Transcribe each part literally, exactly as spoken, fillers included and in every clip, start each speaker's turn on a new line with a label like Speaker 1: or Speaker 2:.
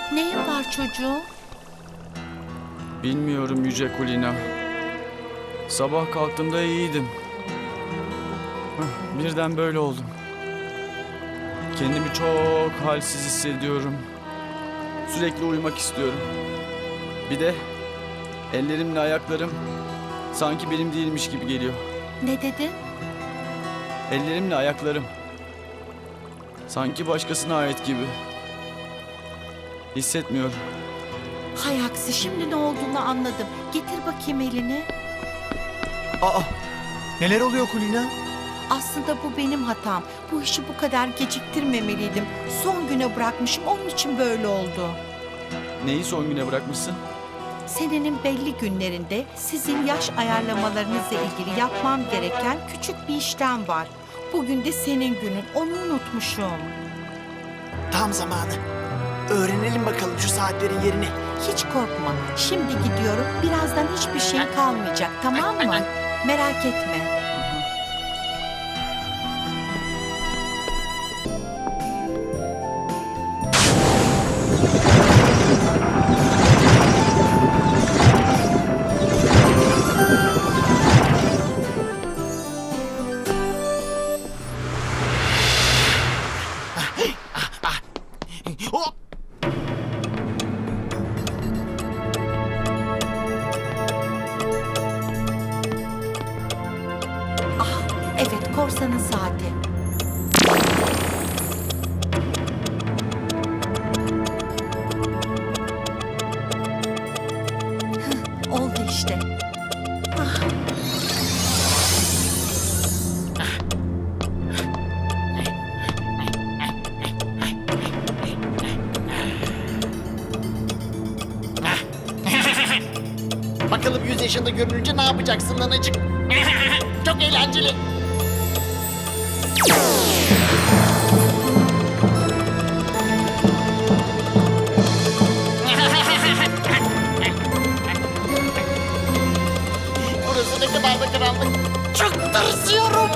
Speaker 1: Neyin var çocuğum?
Speaker 2: Bilmiyorum Yüce Kulina. Sabah kalktığımda iyiydim. Hah, birden böyle oldum. Kendimi çok halsiz hissediyorum. Sürekli uyumak istiyorum. Bir de ellerimle ayaklarım sanki benim değilmiş gibi geliyor.
Speaker 1: Ne dedin?
Speaker 2: Ellerimle ayaklarım sanki başkasına ait gibi. Hissetmiyorum.
Speaker 1: Hay aksi, şimdi ne olduğunu anladım. Getir bakayım elini.
Speaker 3: Aa, neler oluyor Kulina?
Speaker 1: Aslında bu benim hatam. Bu işi bu kadar geciktirmemeliydim. Son güne bırakmışım, onun için böyle oldu.
Speaker 2: Neyi son güne bırakmışsın?
Speaker 1: Senenin belli günlerinde sizin yaş ayarlamalarınızla ilgili yapmam gereken küçük bir işlem var. Bugün de senin günün, onu unutmuşum.
Speaker 3: Tam zamanı. Öğrenelim bakalım şu saatlerin yerini.
Speaker 1: Hiç korkma, şimdi gidiyorum. Birazdan hiçbir şey kalmayacak, tamam mı? Merak etme.
Speaker 3: Hop!
Speaker 1: Evet, korsanın saati. Hıh, oldu işte. Ah.
Speaker 4: Bakalım yüz yaşında görününce ne yapacaksın nanacık? Çok eğlenceli. Burası ne kadar da karanlık. Çok tırsıyorum.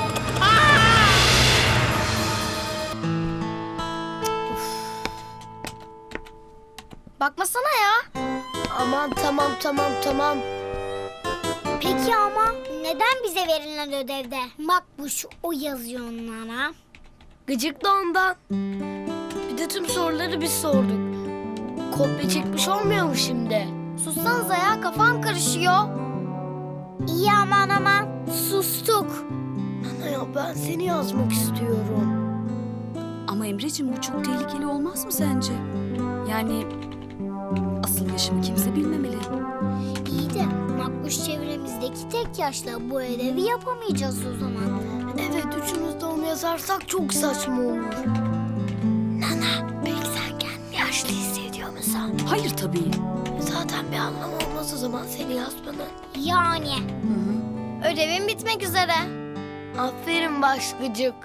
Speaker 5: Bakmasana ya. Aman tamam tamam tamam.
Speaker 6: Peki ama neden bize verilen ödevde Makbuş o yazıyor onlara?
Speaker 5: Gıcık da ondan. Bir de tüm soruları biz sorduk. Kopya çekmiş olmuyor mu şimdi? Sussanıza ya, kafam karışıyor.
Speaker 6: İyi aman aman sustuk.
Speaker 5: Ana ya, ben seni yazmak istiyorum.
Speaker 7: Ama Emreciğim, bu çok tehlikeli olmaz mı sence? Yani asıl yaşını kimse bilmemeli.
Speaker 6: İyi de Makbuş çevremizdeki tek yaşla bu ödevi yapamayacağız o zaman.
Speaker 5: Evet, üçümüz de onu yazarsak çok saçma olur.
Speaker 6: Nana, peki sen kendini yaşlı hissediyor musun?
Speaker 7: Hayır tabii.
Speaker 5: Zaten bir anlamı olmaz o zaman seni yazmanın.
Speaker 6: Yani.
Speaker 5: Ödevim bitmek üzere. Aferin başgıcık.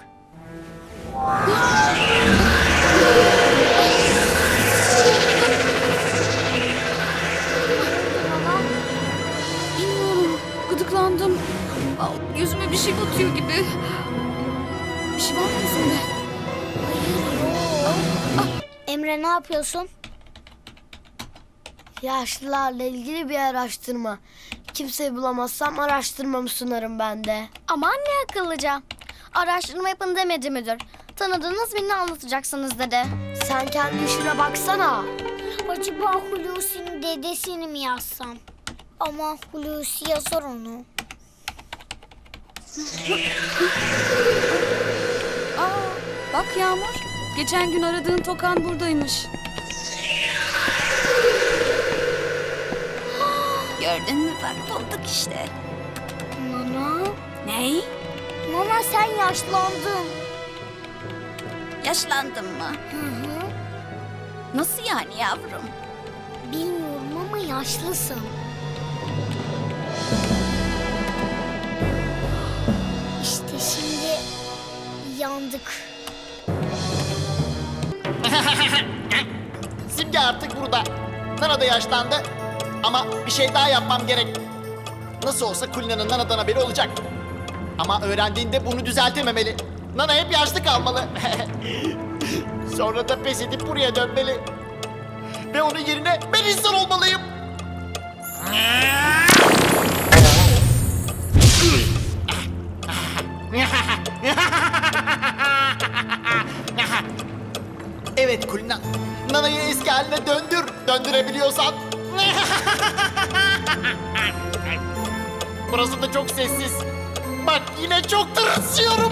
Speaker 7: Bilmiyorum. Gıdıklandım. Aa, yüzüme bir şey batıyor gibi. Bir şey var mı yüzümde?
Speaker 6: Emre ne yapıyorsun?
Speaker 5: Yaşlılarla ilgili bir araştırma. Kimseyi bulamazsam araştırmamı sunarım ben de. Aman ne akıllıca. Araştırma yapın demedi müdür. Tanıdığınız birini anlatacaksınız dedi. Sen kendi işine baksana.
Speaker 6: Acaba Hulusi'nin dedesini mi yazsam? Ama Hulusi yazar onu.
Speaker 7: Aa, bak Yağmur. Geçen gün aradığın tokan buradaymış. Gördün mü, bak bulduk işte.
Speaker 6: Nana,
Speaker 7: Ney?
Speaker 6: Nana sen yaşlandın.
Speaker 7: Yaşlandın mı?
Speaker 6: Hı hı.
Speaker 7: Nasıl yani yavrum?
Speaker 6: Bilmiyorum ama yaşlısın. İşte şimdi yandık.
Speaker 4: Simge artık burada. Nana da yaşlandı. Ama bir şey daha yapmam gerek. Nasıl olsa Kulina'nın Nana'dan haberi olacak. Ama öğrendiğinde bunu düzeltememeli. Nana hep yaşlı kalmalı. Sonra da pes edip buraya dönmeli. Ve onun yerine ben insan olmalıyım. Evet Kulina. Nana'yı eski haline döndür. Döndürebiliyorsan. Burası da çok sessiz. Bak yine çok tırsıyorum.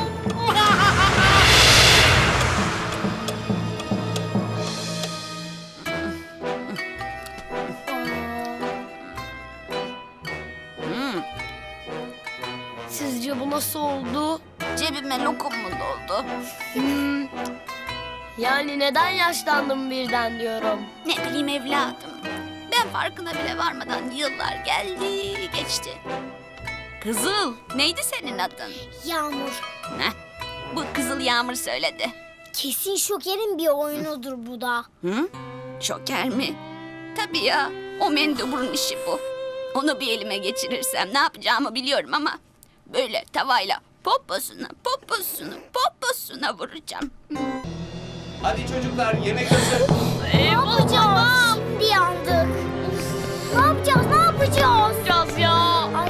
Speaker 5: Sizce bu nasıl oldu?
Speaker 7: Cebime lokum mu doldu?
Speaker 5: Hmm. Yani neden yaşlandım birden diyorum.
Speaker 7: Ne bileyim evladım. Ben farkına bile varmadan yıllar geldi geçti. Kızıl, neydi senin adın?
Speaker 6: Yağmur.
Speaker 7: Heh, bu Kızıl Yağmur söyledi.
Speaker 6: Kesin Şoker'in bir oyunudur bu da.
Speaker 7: Hı? Şoker mi? Tabii ya, o menduburun işi bu. Onu bir elime geçirirsem ne yapacağımı biliyorum ama... ...böyle tavayla poposuna, poposuna, poposuna vuracağım.
Speaker 8: Hadi çocuklar yemek hazır.
Speaker 6: Ne yapacağız? Şimdi yandık. Ne yapacağız? Ne yapacağız?
Speaker 5: Biraz ya.
Speaker 6: Ay.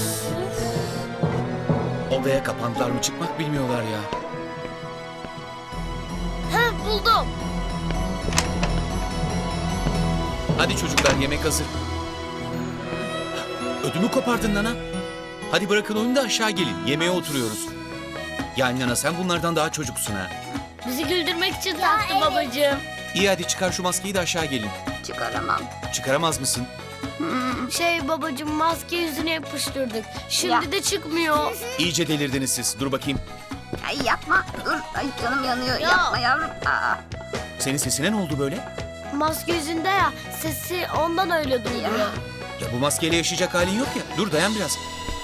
Speaker 8: Odaya kapandılar mı çıkmak bilmiyorlar ya.
Speaker 5: Heh, buldum.
Speaker 8: Hadi çocuklar yemek hazır. Ödümü kopardın Nana. Hadi bırakın oyunu da aşağı gelin. Yemeğe oturuyoruz. Yani Nana sen bunlardan daha çocuksun ha.
Speaker 5: Bizi güldürmek için taktı babacığım.
Speaker 8: İyi hadi çıkar şu maskeyi de aşağı gelin.
Speaker 7: Çıkaramam.
Speaker 8: Çıkaramaz mısın?
Speaker 5: Şey babacığım, maske yüzüne yapıştırdık. Şimdi
Speaker 7: Ya.
Speaker 5: de çıkmıyor.
Speaker 8: İyice delirdiniz siz. Dur bakayım.
Speaker 7: Ay yapma, dur. Ay canım yanıyor.
Speaker 5: Ya.
Speaker 7: Yapma yavrum. Aa.
Speaker 8: Senin sesine ne oldu böyle?
Speaker 5: Maske yüzünde ya, sesi ondan öyle duyuyor.
Speaker 8: Ya bu maskeyle yaşayacak halin yok ya. Dur dayan biraz.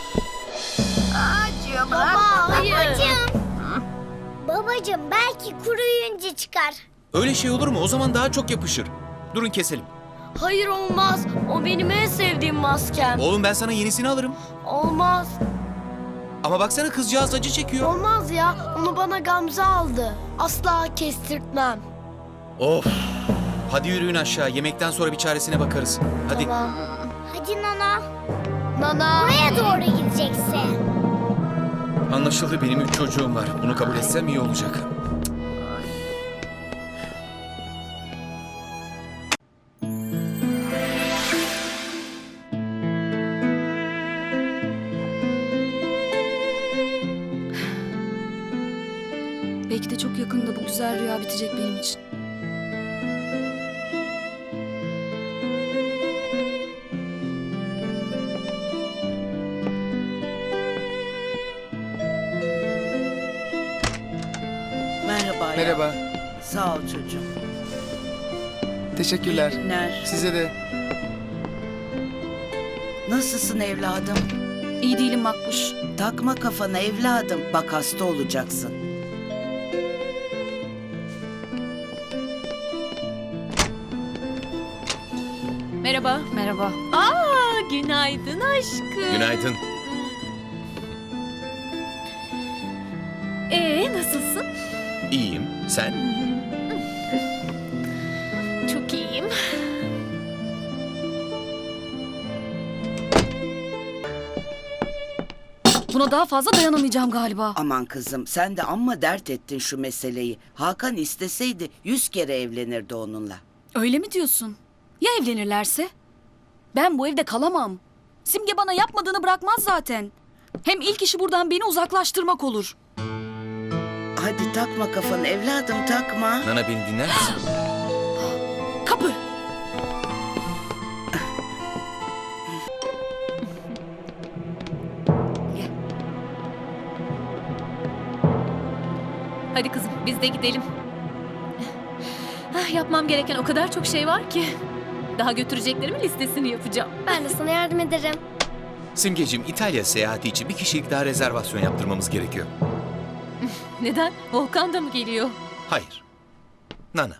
Speaker 7: Acıyor bırak.
Speaker 5: Baba, hayır.
Speaker 6: Babacığım. Babacığım belki kuruyunca çıkar.
Speaker 8: Öyle şey olur mu? O zaman daha çok yapışır. Durun keselim.
Speaker 5: Hayır olmaz. O benim en sevdiğim maskem.
Speaker 8: Oğlum ben sana yenisini alırım.
Speaker 5: Olmaz.
Speaker 8: Ama baksana kızcağız acı çekiyor.
Speaker 5: Olmaz ya. Onu bana Gamze aldı. Asla kestirtmem.
Speaker 8: Of. Hadi yürüyün aşağı. Yemekten sonra bir çaresine bakarız. Hadi.
Speaker 5: Tamam.
Speaker 6: Hadi Nana.
Speaker 5: Nana.
Speaker 6: Buraya doğru gideceksin.
Speaker 8: Anlaşıldı, benim üç çocuğum var. Bunu kabul etsem iyi olacak.
Speaker 7: Belki de çok yakında bu güzel rüya bitecek benim için.
Speaker 9: Merhaba. ya.
Speaker 2: Merhaba.
Speaker 9: Sağ ol çocuğum.
Speaker 2: Teşekkürler.
Speaker 9: Günler.
Speaker 2: Size de.
Speaker 9: Nasılsın evladım?
Speaker 7: İyi değilim Makbuş.
Speaker 9: Takma kafana evladım. Bak hasta olacaksın.
Speaker 7: Merhaba. Merhaba.
Speaker 10: Aa, günaydın aşkım.
Speaker 8: Günaydın.
Speaker 10: Ee, nasılsın?
Speaker 8: İyiyim. Sen?
Speaker 10: Çok iyiyim.
Speaker 7: Buna daha fazla dayanamayacağım galiba.
Speaker 9: Aman kızım sen de amma dert ettin şu meseleyi. Hakan isteseydi yüz kere evlenirdi onunla.
Speaker 7: Öyle mi diyorsun? Ya evlenirlerse? Ben bu evde kalamam. Simge bana yapmadığını bırakmaz zaten. Hem ilk işi buradan beni uzaklaştırmak olur.
Speaker 9: Hadi takma kafanı evladım takma.
Speaker 8: Nana beni dinler misin?
Speaker 7: Kapı.
Speaker 10: Hadi kızım, biz de gidelim. Ah, yapmam gereken o kadar çok şey var ki. Daha götüreceklerimin listesini yapacağım.
Speaker 5: Ben de sana yardım ederim.
Speaker 8: Simgeciğim, İtalya seyahati için bir kişilik daha rezervasyon yaptırmamız gerekiyor.
Speaker 10: Neden? Volkan da mı geliyor?
Speaker 8: Hayır. Nana.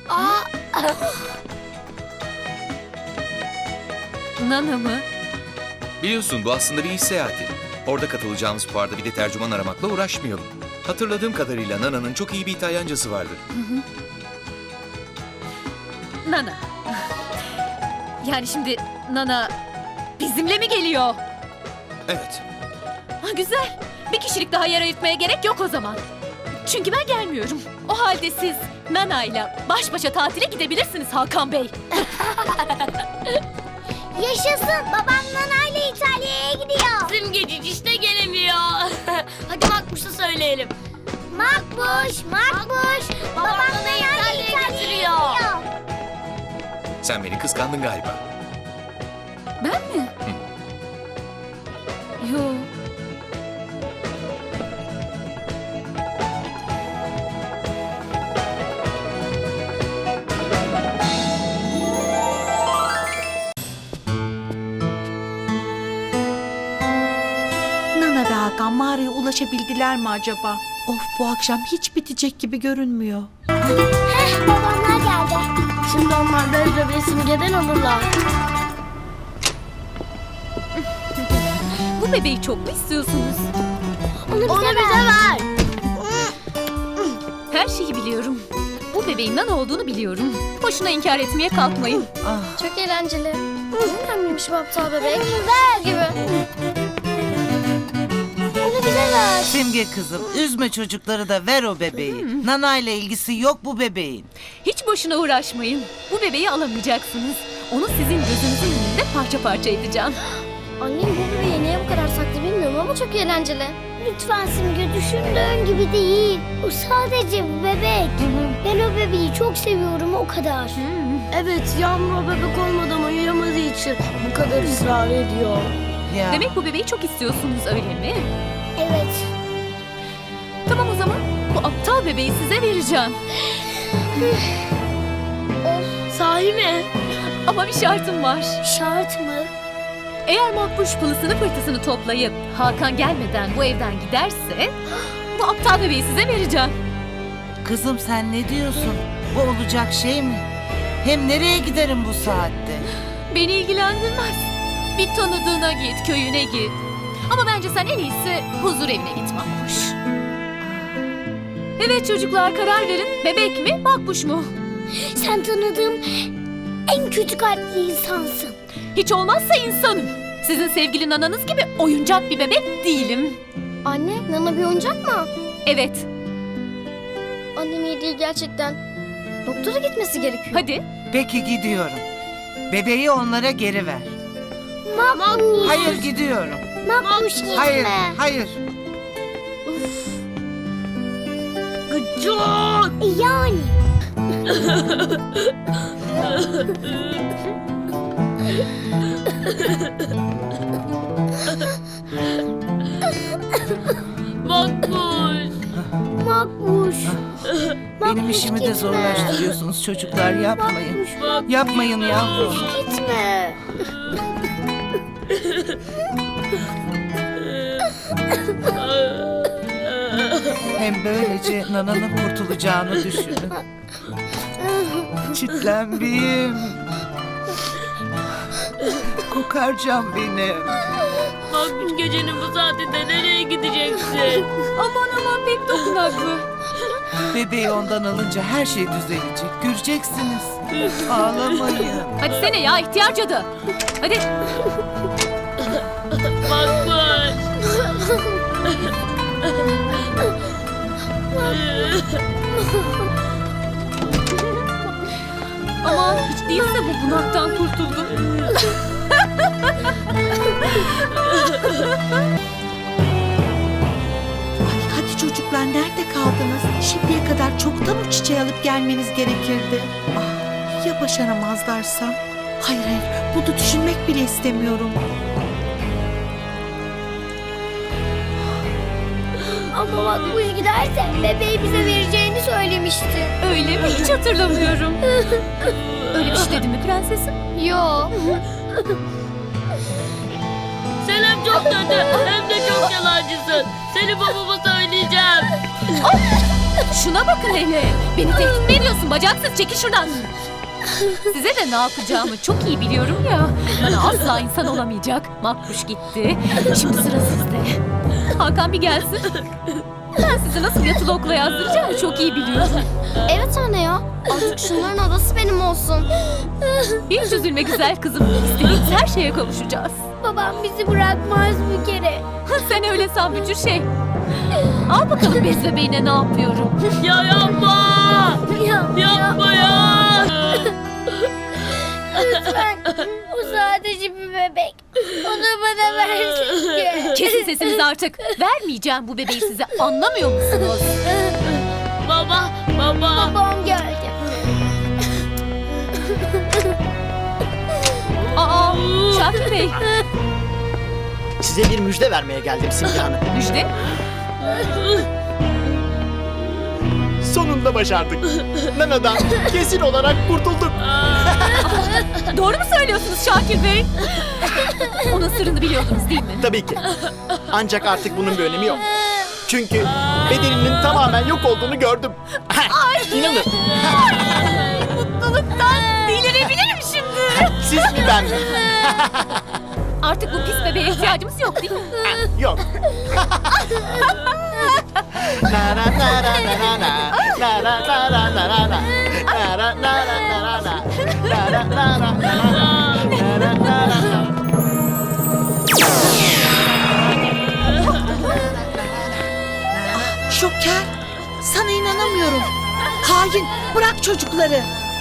Speaker 10: Nana mı?
Speaker 8: Biliyorsun bu aslında bir iş seyahati. Orada katılacağımız fuarda bir de tercüman aramakla uğraşmayalım. Hatırladığım kadarıyla Nana'nın çok iyi bir İtalyancası vardı.
Speaker 10: Nana, Yani şimdi Nana bizimle mi geliyor?
Speaker 8: Evet.
Speaker 10: Ha, güzel. Bir kişilik daha yer ayırtmaya gerek yok o zaman. Çünkü ben gelmiyorum. O halde siz Nana'yla baş başa tatile gidebilirsiniz Hakan Bey.
Speaker 6: Yaşasın. Babam Nana ile İtalya'ya gidiyor.
Speaker 11: Simgecici işte gelemiyor. Hadi Makbuş'a söyleyelim.
Speaker 6: Makbuş, Makbuş. Babam Nana ile İtalya'ya gidiyor.
Speaker 8: Sen beni kıskandın galiba.
Speaker 10: Ben mi? Yo.
Speaker 1: Nana ve Hakan mağaraya ulaşabildiler mi acaba? Of, bu akşam hiç bitecek gibi görünmüyor.
Speaker 6: Heh, babamlar geldi.
Speaker 5: Şimdi onlar da bebeği Simge'den alırlar.
Speaker 10: Bu bebeği çok mu istiyorsunuz?
Speaker 6: Onu bize,
Speaker 5: Onu
Speaker 6: ver.
Speaker 5: bize ver.
Speaker 10: Her şeyi biliyorum. Bu bebeğin Nana olduğunu biliyorum. Boşuna inkar etmeye kalkmayın.
Speaker 5: Çok eğlenceli. Ne önemliymiş bu aptal bebek. Ver gibi.
Speaker 6: Onu bize ver.
Speaker 9: Simge kızım, üzme çocukları da ver o bebeği. Nana ile ilgisi yok bu bebeğin.
Speaker 10: Hiç boşuna uğraşmayın. Bu bebeği alamayacaksınız. Onu sizin gözünüzün önünde parça parça edeceğim.
Speaker 5: Annem bu bebeği niye bu kadar saklı bilmiyorum ama çok eğlenceli.
Speaker 6: Lütfen Simge, düşündüğün gibi değil. O sadece bir bebek. Ben o bebeği çok seviyorum, o kadar.
Speaker 5: Evet, Yağmur o bebek olmadan uyuyamadığı için bu kadar ısrar ediyor.
Speaker 9: Ya.
Speaker 10: Demek bu bebeği çok istiyorsunuz öyle mi?
Speaker 6: Evet.
Speaker 10: Tamam o zaman bu aptal bebeği size vereceğim.
Speaker 5: Sahi mi?
Speaker 10: Ama bir şartım var.
Speaker 6: Şart mı?
Speaker 10: Eğer Makbuş pılısını pırtısını toplayıp Hakan gelmeden bu evden giderse bu aptal bebeği size vereceğim.
Speaker 9: Kızım sen ne diyorsun? Bu olacak şey mi? Hem nereye giderim bu saatte?
Speaker 10: Beni ilgilendirmez. Bir tanıdığına git, köyüne git. Ama bence sen en iyisi huzur evine git Makbuş. Evet çocuklar, karar verin. Bebek mi, Makbuş mu?
Speaker 6: Sen tanıdığım en kötü kalpli insansın.
Speaker 10: Hiç olmazsa insanım. Sizin sevgili nananız gibi oyuncak bir bebek değilim.
Speaker 5: Anne, Nana bir oyuncak mı?
Speaker 10: Evet,
Speaker 5: Annem iyi değil gerçekten. Doktora gitmesi gerekiyor.
Speaker 10: hadi.
Speaker 9: Peki gidiyorum. Bebeği onlara geri ver.
Speaker 6: Makbuş.
Speaker 9: Hayır gidiyorum.
Speaker 6: Makbuş gitme.
Speaker 9: Hayır, hayır.
Speaker 5: Gıcık!
Speaker 6: Yani.
Speaker 11: Makbuş.
Speaker 6: Makbuş.
Speaker 9: Benim
Speaker 6: Makbuş,
Speaker 9: işimi de
Speaker 6: gitme.
Speaker 9: zorlaştırıyorsunuz çocuklar, yapmayın.
Speaker 6: Makbuş,
Speaker 9: Yapmayın yavrum.
Speaker 6: gitme.
Speaker 9: Hem böylece Nana'nın kurtulacağını düşünün. Çitlenbiyim. Kokarcam benim.
Speaker 11: Makbuş gecenin bu saatinde nereye gideceksin?
Speaker 10: Aman aman pek dokunaklı.
Speaker 9: Bebeği ondan alınca her şey düzelecek. Göreceksiniz. Ağlamayın.
Speaker 10: Hadi sene ya ihtiyar cadı. Hadi.
Speaker 11: Makbuş.
Speaker 10: Ama hiç değilse bu bunaktan kurtuldum.
Speaker 1: Ay, hadi çocuklar, nerede kaldınız? Şimdiye kadar çoktan o çiçeği alıp gelmeniz gerekirdi. Ah, ya başaramazlarsa? Hayır hayır, bunu düşünmek bile istemiyorum.
Speaker 6: Ama Makbuş giderse bebeği bize vereceğini söylemişti.
Speaker 10: Öyle mi? Hiç hatırlamıyorum. Öyle bir şey dedi mi prensesim?
Speaker 5: Yo.
Speaker 11: Sen hem çok kötü hem de çok yalancısın. Seni babama söyleyeceğim.
Speaker 10: Şuna bakın hele. Beni tehdit mi ediyorsun bacaksız? Çekil şuradan. Size de ne yapacağımı çok iyi biliyorum ya. Bana asla insan olamayacak. Makbuş gitti. Şimdi sıra sizde. Hakan bir gelsin. Ben sizi nasıl yatılı okula yazdıracağımı çok iyi biliyorum.
Speaker 5: Evet anne ya. Artık şunların adası benim olsun.
Speaker 10: Hiç üzülme güzel kızım. İstediğimiz her şeye kavuşacağız.
Speaker 6: Babam bizi bırakmaz bir kere.
Speaker 10: Sen öyle san Bücür şey. Al bakalım bez bebeğine ne yapıyorum.
Speaker 11: Ya yapma. Yapma ya.
Speaker 6: Lütfen. O sadece bir bebek. Onu bana versin.
Speaker 10: Kesin sesinizi artık. Vermeyeceğim bu bebeği size. Anlamıyor musunuz?
Speaker 11: Baba, baba.
Speaker 6: Babam geldi.
Speaker 10: Aa, Şakir Bey.
Speaker 4: Size bir müjde vermeye geldim Simge Hanım.
Speaker 10: Müjde.
Speaker 4: Sonunda başardık. Nana'dan kesin olarak kurtulduk.
Speaker 10: Doğru mu söylüyorsunuz Şakir Bey? Onun sırrını biliyordunuz değil mi?
Speaker 4: Tabii ki. Ancak artık bunun bir önemi yok. Çünkü bedeninin tamamen yok olduğunu gördüm. İnanın.
Speaker 10: Mutluluktan delirebilirim şimdi.
Speaker 4: Siz mi ben mi?
Speaker 10: Artık bu pis bebeğe ihtiyacımız yok değil mi?
Speaker 4: Yok. Na na na na na na na. Na na na na na na na. Na na na na na na. Na na na na na na. Na na na na na.
Speaker 1: Şoker, sana inanamıyorum. Hain, bırak çocukları.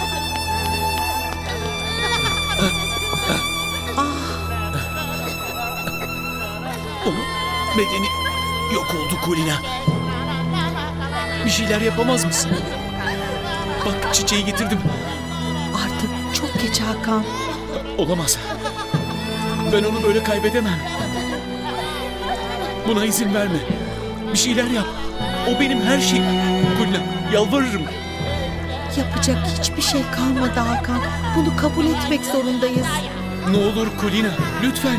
Speaker 8: Bedeni yok oldu Kulina. Bir şeyler yapamaz mısın? Bak çiçeği getirdim.
Speaker 1: Artık çok geç Hakan.
Speaker 8: Olamaz. Ben onu böyle kaybedemem. Buna izin verme. Bir şeyler yap. O benim her şeyim. Kulina, yalvarırım.
Speaker 1: Yapacak hiçbir şey kalmadı Hakan. Bunu kabul etmek zorundayız.
Speaker 8: Ne olur Kulina, lütfen.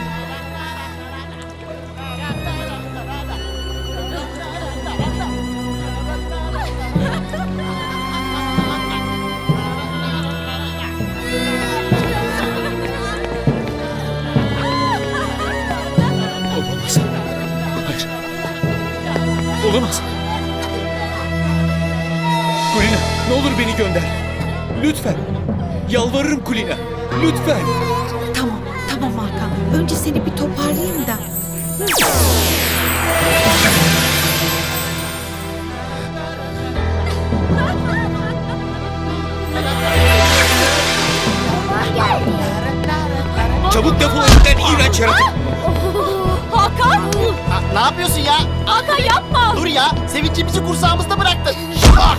Speaker 8: Olamaz. Hayır. Olamaz. Kulina, ne olur beni gönder. Lütfen. Yalvarırım Kulina. Lütfen.
Speaker 1: Tamam, tamam Hakan. Önce seni bir toparlayayım da.
Speaker 8: Çabuk defol evimden iğrenç yaratık.
Speaker 10: Hakan!
Speaker 4: Ha, ne yapıyorsun ya?
Speaker 10: Hakan yapma!
Speaker 4: Dur ya, sevincimizi kursağımızda bıraktın.
Speaker 10: Hakan!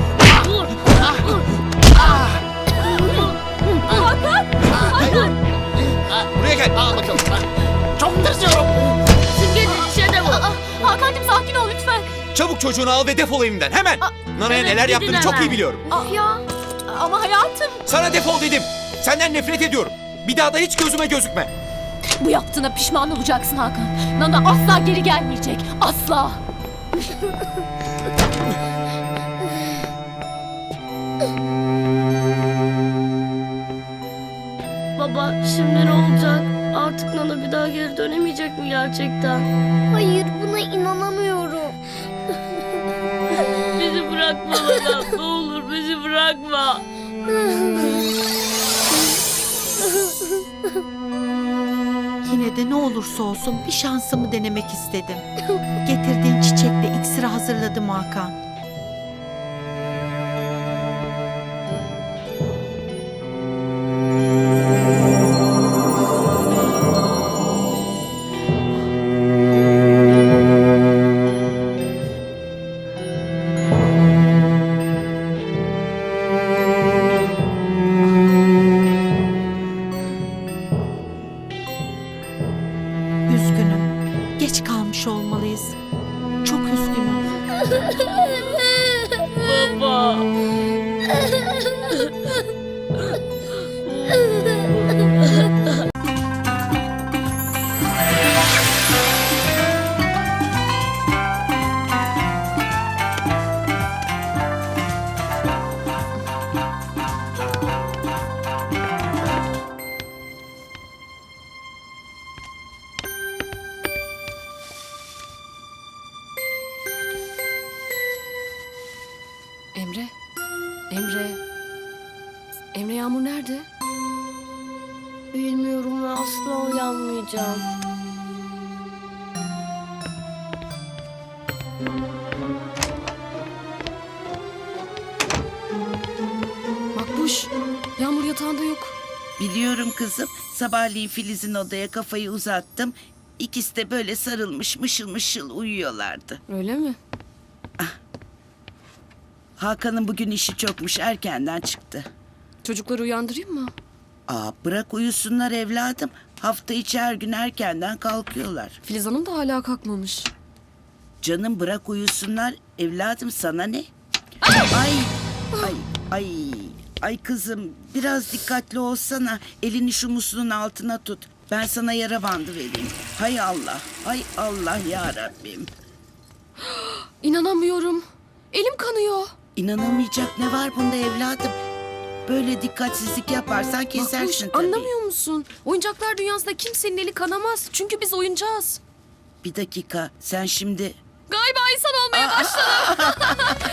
Speaker 10: Hakan! Hakan!
Speaker 8: Buraya gel.
Speaker 4: Al bakalım. Ha, çok tırsıyorum.
Speaker 11: Simge'nin işe de bu.
Speaker 10: Hakan'cığım sakin ol lütfen.
Speaker 8: Çabuk çocuğunu al ve defol evimden hemen. Nana'ya
Speaker 11: evet,
Speaker 8: neler
Speaker 11: gidin
Speaker 8: yaptığını çok
Speaker 11: hemen.
Speaker 8: iyi biliyorum.
Speaker 10: Ya ama hayatım.
Speaker 8: Sana defol dedim. Senden nefret ediyorum. Bir daha da hiç gözüme gözükme.
Speaker 10: Bu yaptığına pişman olacaksın Hakan. Nana asla geri gelmeyecek. Asla.
Speaker 11: Baba şimdi ne olacak? Artık Nana bir daha geri dönemeyecek mi gerçekten?
Speaker 6: Hayır, buna inanamıyorum.
Speaker 11: Bizi bırakma baba. Ne olur bizi bırakma.
Speaker 1: Yine de ne olursa olsun bir şansımı denemek istedim. Getirdiğin çiçekle iksiri hazırladım Hakan. Üzgünüm. Geç kalmış olmalıyız. Çok üzgünüm.
Speaker 5: Bilmiyorum ve asla uyanmayacağım.
Speaker 11: Makbuş, Yağmur yatağında yok.
Speaker 9: Biliyorum kızım. Sabahleyin Filiz'in odaya kafayı uzattım. İkisi de böyle sarılmış mışıl mışıl uyuyorlardı.
Speaker 11: Öyle mi?
Speaker 9: Hakan'ın bugün işi çokmuş, erkenden çıktı.
Speaker 11: Çocukları uyandırayım mı?
Speaker 9: Aa, bırak uyusunlar evladım. Hafta içi her gün erkenden kalkıyorlar.
Speaker 11: Filiz Hanım da hala kalkmamış.
Speaker 9: Canım bırak uyusunlar evladım, sana ne? Ay ay ay ay kızım, biraz dikkatli olsana. Elini şu musluğun altına tut. Ben sana yara bandı vereyim. Hay Allah, hay Allah ya Rabbim.
Speaker 11: İnanamıyorum. Elim kanıyor.
Speaker 9: İnanamayacak ne var bunda evladım? Böyle dikkatsizlik yaparsan kesersin
Speaker 11: Makbuş,
Speaker 9: tabii.
Speaker 11: anlamıyor musun? Oyuncaklar dünyasında kimsenin eli kanamaz. Çünkü biz oyuncağız.
Speaker 9: Bir dakika, sen şimdi...
Speaker 11: Galiba insan olmaya başladım.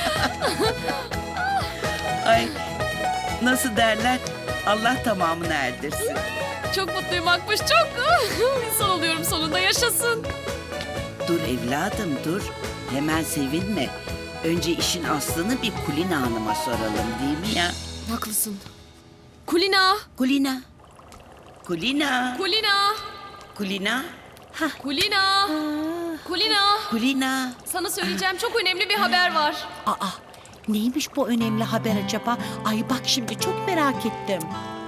Speaker 9: Ay, nasıl derler? Allah tamamını erdirsin.
Speaker 11: Çok mutluyum Makbuş, çok. İnsan oluyorum sonunda, yaşasın.
Speaker 9: Dur evladım dur. Hemen sevinme. Önce işin aslını bir Kulina Hanım'a soralım, değil mi ya?
Speaker 11: Haklısın. Kulina,
Speaker 9: Kulina. Kulina.
Speaker 11: Kulina,
Speaker 9: Kulina.
Speaker 11: Kulina, Kulina.
Speaker 9: Kulina.
Speaker 11: Sana söyleyeceğim çok önemli bir haber var.
Speaker 1: Aa, neymiş bu önemli haber acaba? Ay bak şimdi çok merak ettim.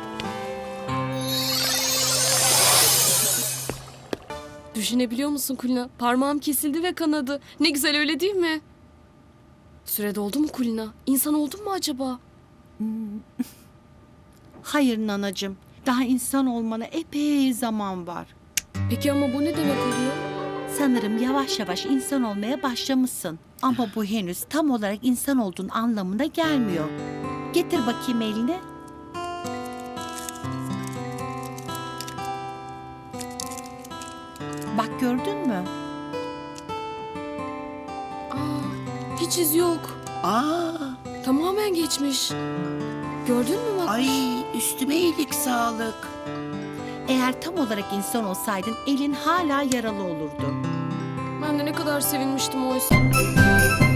Speaker 11: Düşünebiliyor musun Kulina? Parmağım kesildi ve kanadı. Ne güzel, öyle değil mi? Süre doldu mu Kulina? İnsan oldun mu acaba?
Speaker 1: Hayır nanacığım. Daha insan olmana epey zaman var.
Speaker 11: Peki ama bu ne demek oluyor?
Speaker 1: Sanırım yavaş yavaş insan olmaya başlamışsın. Ama bu henüz tam olarak insan olduğun anlamına gelmiyor. Getir bakayım elini. Bak gördün mü?
Speaker 11: Aa, hiç iz yok.
Speaker 9: Aa,
Speaker 11: Tamamen geçmiş. Gördün mü Makbuş?
Speaker 9: ay üstüme iyilik sağlık.
Speaker 1: Eğer tam olarak insan olsaydın elin hala yaralı olurdu.
Speaker 11: Ben de ne kadar sevinmiştim oysa.